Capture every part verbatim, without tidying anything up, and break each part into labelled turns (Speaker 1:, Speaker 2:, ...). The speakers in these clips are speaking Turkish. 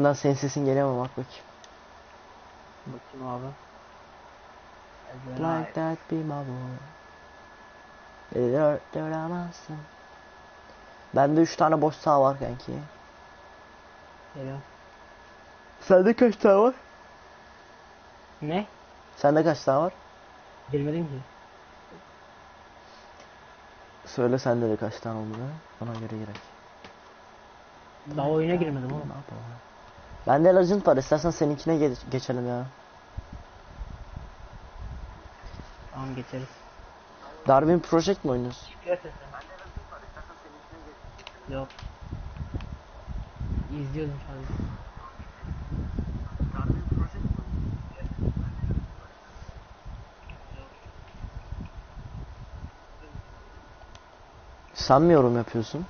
Speaker 1: oyundan senin sesin geliyor mu, bak bakayım.
Speaker 2: Bakayım abi.
Speaker 1: Like that be my boy. Beni dört duramazsın. Bende üç tane boş sağ var kanki.
Speaker 2: Geliyor.
Speaker 1: Sende kaç tane var?
Speaker 2: Ne?
Speaker 1: Sende kaç tane var?
Speaker 2: Bilmedim ki.
Speaker 1: Söyle sende de kaç tane olduğunu. Ona göre girek.
Speaker 2: Daha oyuna girmedim oğlum.
Speaker 1: Ne yapalım? Bende Legend var. İstersen seninkine ge geçelim ya.
Speaker 2: Tamam geçeriz.
Speaker 1: Darwin Project mi oynuyorsun?
Speaker 2: Çıkıyor sesim. Yok. İzliyordum sadece.
Speaker 1: Sen mi yorum yapıyorsun?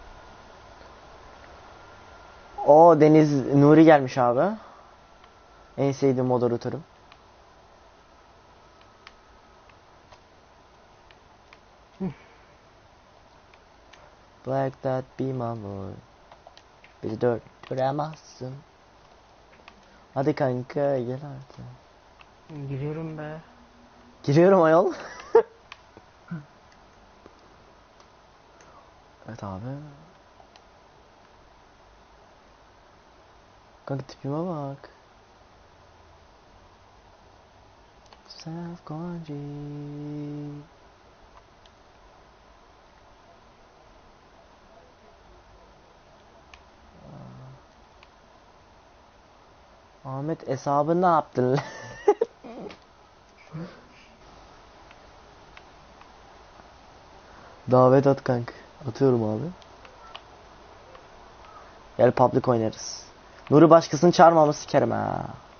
Speaker 1: O Deniz Nuri gelmiş abi. En sevdiğim moderatörüm. Like that be my boy. Bizi dört duramazsın. Hadi kanka gel artık.
Speaker 2: Giriyorum be.
Speaker 1: Giriyorum ayol. Evet abi. Kanka tipime bak. Self Gonji. Ahmet hesabı ne yaptın? Davet at kanka. Atıyorum abi. Gel public oynarız. Nuri başkasını çağırmamı sikerim ha.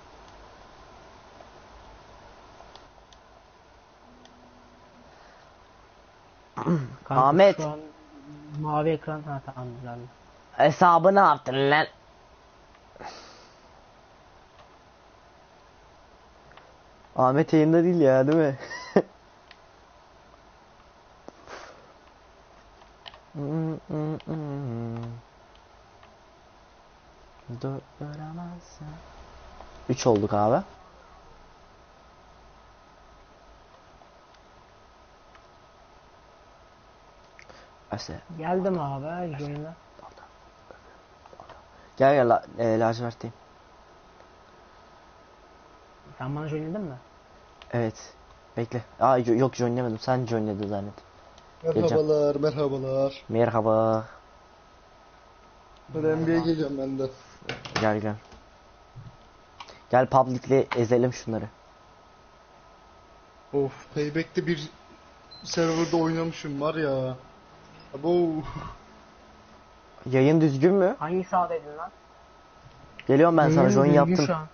Speaker 2: Kanka
Speaker 1: Ahmet.
Speaker 2: Şu an mavi ekran. Ha tamam güzel.
Speaker 1: Hesabı ne yaptın lan? Ahmet yayında değil ya, değil mi? Üç olduk abi. Ase.
Speaker 2: Geldim abi yayına.
Speaker 1: Gel gel la, e, lacivertteyim.
Speaker 2: Sen bana joinledin mi?
Speaker 1: Evet. Bekle. Aa yo- yok joinlemedim. Sen joinledin zannet.
Speaker 3: Merhabalar, merhabalar.
Speaker 1: Merhaba.
Speaker 3: Hadi N B A'ye geliyorum ben de.
Speaker 1: Gel gel. Gel public'le ezelim şunları.
Speaker 3: Of, Payback'te bir serverda oynamışım var ya. Abo.
Speaker 1: Yayın düzgün mü?
Speaker 2: Hangi sahadaydın lan?
Speaker 1: Geliyorum ben sana,
Speaker 2: Yayın
Speaker 1: join
Speaker 2: düzgün
Speaker 1: yaptım.
Speaker 2: şu an.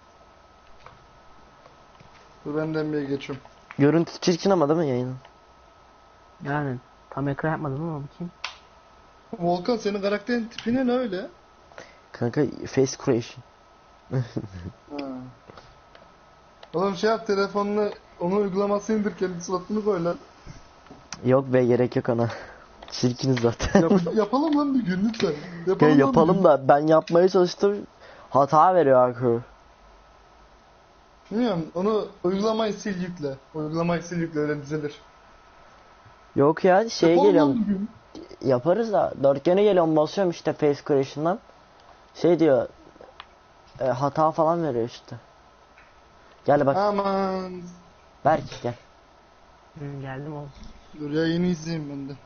Speaker 3: Dur ben de N B A'ye geçiyorum.
Speaker 1: Görüntü çirkin ama değil mi yayının?
Speaker 2: Yani tam ekran yapmadım ama bakayım.
Speaker 3: Volkan senin karakterin tipine ne öyle?
Speaker 1: Kanka face creation.
Speaker 3: Ha. Oğlum şey yap, telefonunu onun uygulamasını indir, kendi suratını koy lan.
Speaker 1: Yok be, gerek yok ona. Çirkiniz zaten.
Speaker 3: Yap yapalım lan bir gün lütfen. Yapalım,
Speaker 1: Ya
Speaker 3: lan bir
Speaker 1: yapalım
Speaker 3: gün.
Speaker 1: da ben yapmaya çalıştım. Hata veriyor akü.
Speaker 3: Bilmiyorum, onu uygulamayı sil yükle. Uygulamayı sil yükle, öyle düzelir.
Speaker 1: Yok ya, şeye
Speaker 3: Yapalım lan
Speaker 1: geliyorum.
Speaker 3: bir gün.
Speaker 1: Yaparız da dörtgene geliyorum, basıyorum işte face creation'dan. Şey diyor. E, hata falan veriyor işte. Gel bak.
Speaker 3: Aman.
Speaker 1: Berk gel.
Speaker 2: Hı, geldim oğlum.
Speaker 3: Dur yayını izleyeyim ben de.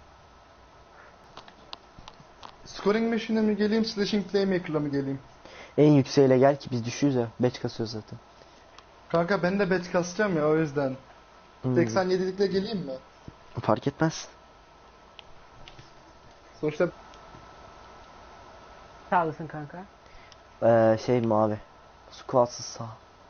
Speaker 3: Scoring Machine'e mi geleyim, Slashing Playmaker'la mı geleyim?
Speaker 1: En yükseğiyle gel ki biz düşüyoruz ya. Batch kasıyoruz zaten.
Speaker 3: Kanka ben de batch kasacağım ya, o yüzden.
Speaker 1: Hmm,
Speaker 3: seksen yedilikle geleyim mi?
Speaker 1: fark etmez.
Speaker 3: Sonuçta
Speaker 2: Sağlısın kanka.
Speaker 1: Ee, şey mavi. Squatsız sağ.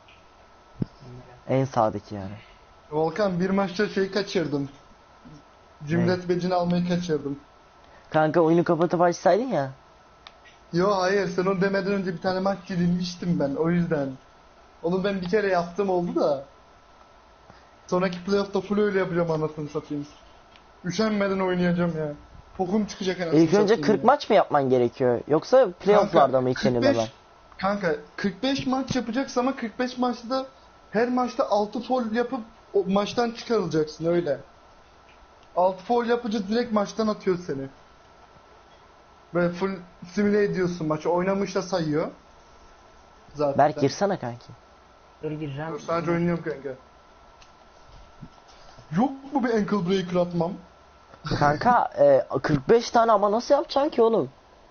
Speaker 1: En sağdaki yani.
Speaker 3: Volkan bir maçta şey kaçırdım. Cimret becini almayı kaçırdım.
Speaker 1: Kanka oyunu kapatıp açsaydın ya.
Speaker 3: Yo hayır, sen onu demeden önce bir tane maç yenilmiştim ben, o yüzden. Onu ben bir kere yaptım, oldu da. Sonraki playoff'ta full öyle yapacağım, anasını satayım. Üşenmeden oynayacağım ya. Pokum çıkacak anasını
Speaker 1: İlk önce
Speaker 3: satayım
Speaker 1: kırk
Speaker 3: ya.
Speaker 1: maç mı yapman gerekiyor? Yoksa playoff'larda mı ilk
Speaker 3: kırk beş
Speaker 1: yenilmeler?
Speaker 3: Kanka kırk beş maç yapacaksın ama kırk beş maçta da her maçta altı foul yapıp o maçtan çıkarılacaksın öyle. altı foul yapınca direkt maçtan atıyor seni. Böyle full simüle ediyorsun maçı. Oynamış da sayıyor. Zaten.
Speaker 1: Berk girsene kanki.
Speaker 2: Dur gireceğim.
Speaker 3: Dur, sadece oynuyorum kanka. Yok mu bir ankle breaker atmam?
Speaker 1: Kanka e, kırk beş tane ama nasıl yapacaksın ki oğlum?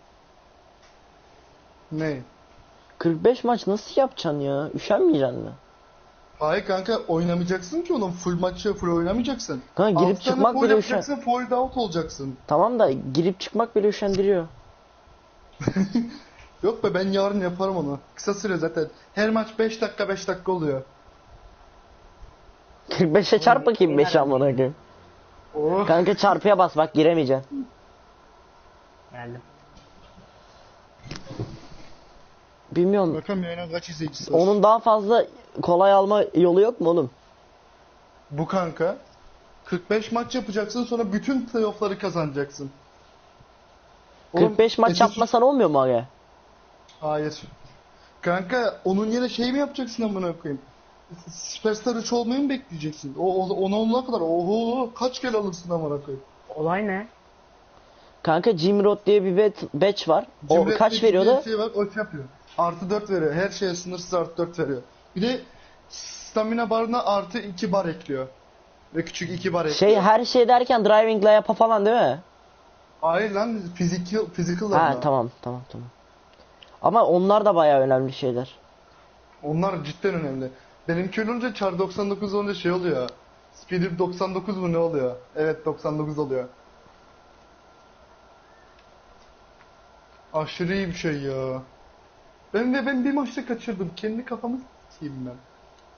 Speaker 3: Ne?
Speaker 1: kırk beş maç nasıl yapacaksın ya? Üşenmeyeceksin mi?
Speaker 3: Hayır kanka oynamayacaksın ki oğlum. Full maçı full oynamayacaksın.
Speaker 1: Kanka girip
Speaker 3: altı tane
Speaker 1: çıkmak
Speaker 3: foul
Speaker 1: bile
Speaker 3: yapacaksın, foul out olacaksın.
Speaker 1: Tamam da girip çıkmak bile üşendiriyor.
Speaker 3: Yok be ben yarın yaparım onu. Kısa süre zaten. Her maç beş dakika beş dakika oluyor.
Speaker 1: kırk beşe çarp bakayım beş amına koyayım.
Speaker 3: Oh.
Speaker 1: Kanka çarpıya bas bak giremeyeceksin.
Speaker 2: Geldim.
Speaker 1: Bilmiyorum.
Speaker 3: Bakalım yayına kaç izleyicisi var.
Speaker 1: Onun daha fazla kolay alma yolu yok mu oğlum?
Speaker 3: Bu kanka. kırk beş maç yapacaksın sonra bütün playoff'ları kazanacaksın. Oğlum,
Speaker 1: kırk beş maç
Speaker 3: esas-
Speaker 1: yapmasan olmuyor mu aga?
Speaker 3: Hayır. Kanka onun yerine şey mi yapacaksın amına koyayım? Superstar üç olmayı mı bekleyeceksin? O, o ona olana kadar oho kaç kere alırsın amına koyayım?
Speaker 2: Olay ne?
Speaker 1: Kanka Jim Roth diye bir bet, batch var. O
Speaker 3: Cimri
Speaker 1: kaç
Speaker 3: Ettik'in
Speaker 1: veriyordu?
Speaker 3: bir Şey var, o şey yapıyor. Artı dört veriyor. Her şeye sınırsız artı dört veriyor. Bir de stamina barına artı iki bar ekliyor. Ve küçük iki bar ekliyor.
Speaker 1: Şey her şey derken driving layup'a falan değil mi?
Speaker 3: Hayır lan physical, physical
Speaker 1: Ha
Speaker 3: onlar.
Speaker 1: tamam tamam tamam. Ama onlar da bayağı önemli şeyler.
Speaker 3: Onlar cidden önemli. Benimki olunca Char doksan dokuz olunca şey oluyor. Speeder doksan dokuz mu ne oluyor? Evet doksan dokuz oluyor. Aşırı iyi bir şey ya. Ben de ben bir maçta kaçırdım. Kendi kafamı s**eyim ben.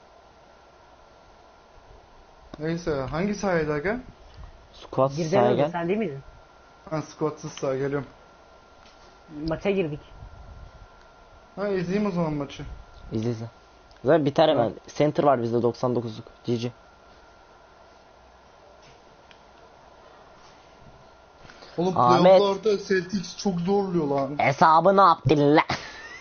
Speaker 3: Neyse hangi sahaydı aga?
Speaker 1: Squat
Speaker 2: Girdin
Speaker 1: sahaya
Speaker 2: öyle
Speaker 1: gel.
Speaker 2: sen değil miydin?
Speaker 3: Ha squatsız saha geliyorum.
Speaker 2: Maça girdik.
Speaker 3: Ha izleyeyim o zaman maçı.
Speaker 1: İzle izle. Zaten biter hemen. Center var bizde doksan dokuzluk. G G.
Speaker 3: Oğlum
Speaker 1: Ahmet.
Speaker 3: playoff'larda Celtics çok zorluyor lan.
Speaker 1: Hesabını yaptın la.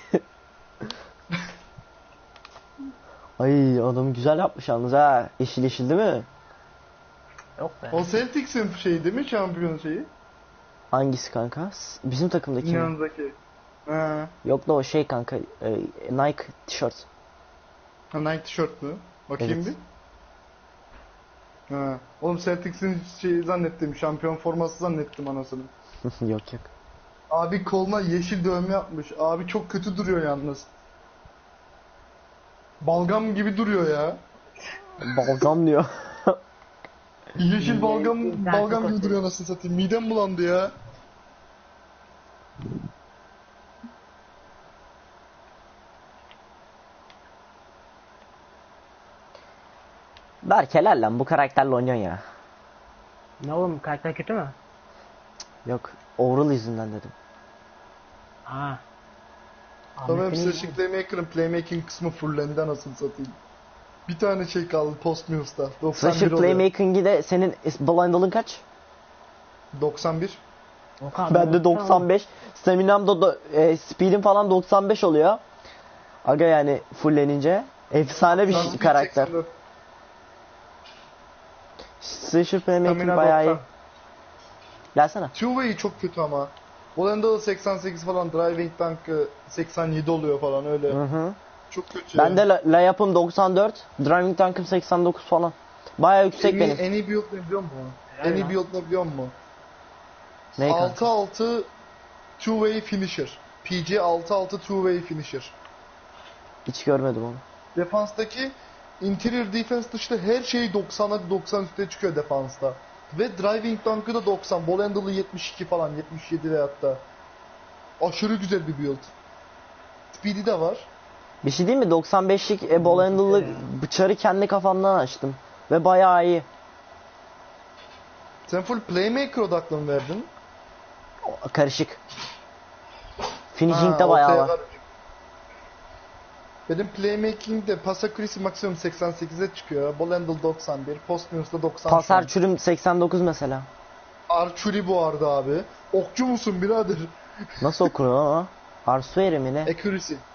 Speaker 1: Ay adam güzel yapmış yalnız ha. Yeşil yeşil değil mi?
Speaker 2: Yok be.
Speaker 3: O Celtics'in şeyi değil mi şampiyon şeyi?
Speaker 1: Hangisi kanka? S- Bizim takımdaki mi?
Speaker 3: Yanındaki. Ha.
Speaker 1: Yok da o şey kanka. e, Nike tişört.
Speaker 3: Ha Nike tişört mü? Bakayım
Speaker 1: Evet.
Speaker 3: bir. Ha. Oğlum Celtics'in şeyi zannettim. Şampiyon forması zannettim anasını.
Speaker 1: Yok yok.
Speaker 3: Abi koluna yeşil dövme yapmış. Abi çok kötü duruyor yalnız. Balgam gibi duruyor ya.
Speaker 1: Balgam diyor.
Speaker 3: Yeşil balgam
Speaker 2: İnternet
Speaker 3: balgam gibi
Speaker 2: kötü.
Speaker 3: duruyor nasıl satayım. Midem bulandı ya.
Speaker 1: Berk helal lan bu karakterle oynuyorsun ya.
Speaker 2: Ne oğlum karakter kötü mü?
Speaker 1: Yok overall yüzünden dedim.
Speaker 2: Aa.
Speaker 3: Tamam
Speaker 2: Ahmet'in
Speaker 3: size
Speaker 2: iyi-
Speaker 3: şey playmaker'ın playmaking kısmı fullendi anasını satayım. Bir tane şey kaldı post news'ta. doksan bir
Speaker 1: Slasher
Speaker 3: oluyor.
Speaker 1: playmaking'i de senin is- blindalın kaç?
Speaker 3: doksan bir.
Speaker 2: Okan,
Speaker 1: Ben de
Speaker 2: tamam.
Speaker 1: doksan beş. Stamina'm da do- e, speed'im falan doksan beş oluyor. Aga yani fullenince efsane bir şey-
Speaker 3: Transfer
Speaker 1: karakter.
Speaker 3: seksen dört.
Speaker 1: Slasher playmaking
Speaker 3: Stamina
Speaker 1: bayağı iyi.
Speaker 3: doksan.
Speaker 1: Gelsene.
Speaker 3: Two-way çok kötü ama. Volendal seksen sekiz falan, driving tank'ı seksen yedi oluyor falan öyle.
Speaker 1: Hı hı.
Speaker 3: Çok kötü
Speaker 1: Ben
Speaker 3: ya.
Speaker 1: de la- layup'ım doksan dört, driving tank'ım seksen dokuz falan. Bayağı yüksek
Speaker 3: en iyi,
Speaker 1: benim.
Speaker 3: en iyi build ne biliyor musun?
Speaker 2: Helal
Speaker 3: En iyi
Speaker 2: lan.
Speaker 3: build ne biliyor musun?
Speaker 1: Ne kanka?
Speaker 3: altı altı two-way finisher. P G altı altı two-way finisher.
Speaker 1: Hiç görmedim onu.
Speaker 3: Defanstaki interior defense dışında her şey doksan'a doksan üstüne çıkıyor defansta. Ve driving tank'ı da doksan. Volendal'ı yetmiş iki falan, yetmiş yedi ve hatta. Aşırı güzel bir build. Speed'i de var.
Speaker 1: Bir şey değil mi? doksan beşlik e, ball handle'lı bıçarı kendi kafamdan açtım. Ve bayağı iyi.
Speaker 3: Sen full playmaker odaklı mı verdin?
Speaker 1: O- Karışık. Finishing
Speaker 3: Ha,
Speaker 1: de bayağı
Speaker 3: ortaya
Speaker 1: var.
Speaker 3: var. Benim playmaking'de pas accuracy maksimum seksen sekize çıkıyor. Ball handle doksan bir, post news'da doksan.
Speaker 1: Pasar çürüm seksen dokuz mesela.
Speaker 3: Archery bu arada abi. Okçu musun birader?
Speaker 1: Nasıl okunuyor ama? Arsueri mi ne?
Speaker 3: Accuracy.